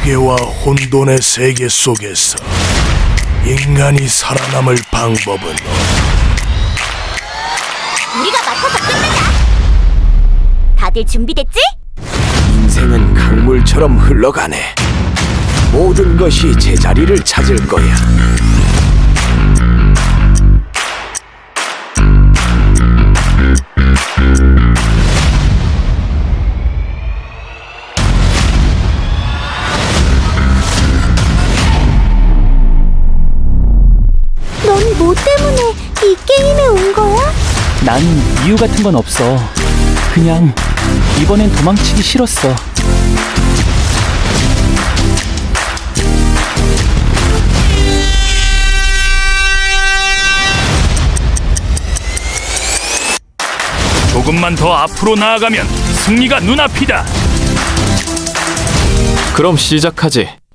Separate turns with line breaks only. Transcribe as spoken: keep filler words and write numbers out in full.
무게와 혼돈의 세계 속에서 인간이 살아남을 방법은
우리가 맡아서 끝내자. 다들 준비됐지?
인생은 강물처럼 흘러가네. 모든 것이 제자리를 찾을 거야.
넌 뭐 때문에 이 게임에 온 거야?
난 이유 같은 건 없어. 그냥 이번엔 도망치기 싫었어.
조금만 더 앞으로 나아가면 승리가 눈앞이다.
그럼 시작하지.